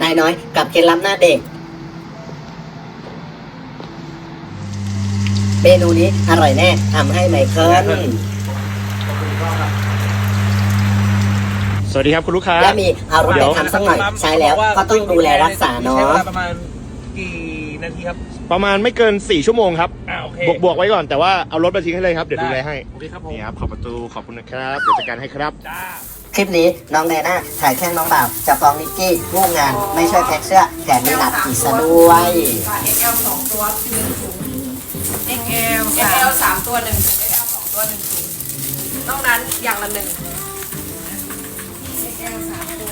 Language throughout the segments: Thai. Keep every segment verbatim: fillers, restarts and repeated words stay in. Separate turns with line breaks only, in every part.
ายน้อยกับเคล็ดลับหน้าเด็กเมนูนี้อร่อยแน่ทำให้ไมเคิล
สวัสดีครับคุณลูกค้า
และมีเอารถไปทำสักหน่อยใช้แล้วก็ต้องดูแลรักษาเนาะ
ประมาณกี่นาทีครับ
ประมาณไม่เกินสี่ชั่วโมงครับ
อ่าโอเค
บวกบวกไว้ก่อนแต่ว่าเอารถมาทิ้งให้เลยครับเดี๋ยวดูแลให้
โอเคครับผม
นี่ครับขอบประตูขอบคุณนะครับเดี๋ยวจัดการให้ครับ
จ้า
คลิปนี้น้องไดน่าถ่ายแค่น้องบ่าวจะฟ้องนิกกี้งูงานไม่ช่วยแพ็คเสื้อแถมมีหนักอีกซะด้วย
เอ็กซ์แอล สองตัวหนึ่งถุง
เอ็กซ์แอล
เอ็กซ์แอล สามตัวหนึ่งถุง เอ็กซ์แอล สองตัวหนึ่งถุงนอกนั้นอย่างละหนึ่ง เอ็กซ์แอล สามตัว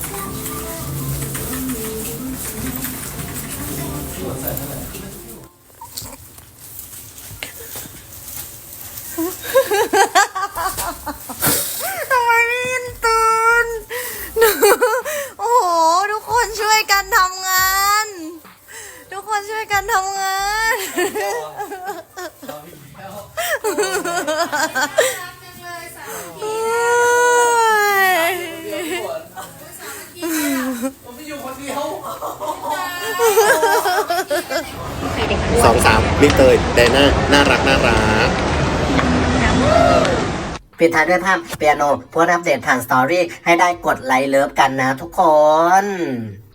ทำไมไม่ยินตื่นโอ้โหทุกคนช่วยกันทำงานทุกคนช่วยกันทำงาน
สองสามมิเตอร์ไดน่าน่ารักน่ารัก
ปิดท้ายด้วยภาพเปียโนโพสต์อัปเดตผ่านสตอรี่ให้ได้กดไลค์เลิฟกันนะทุกคน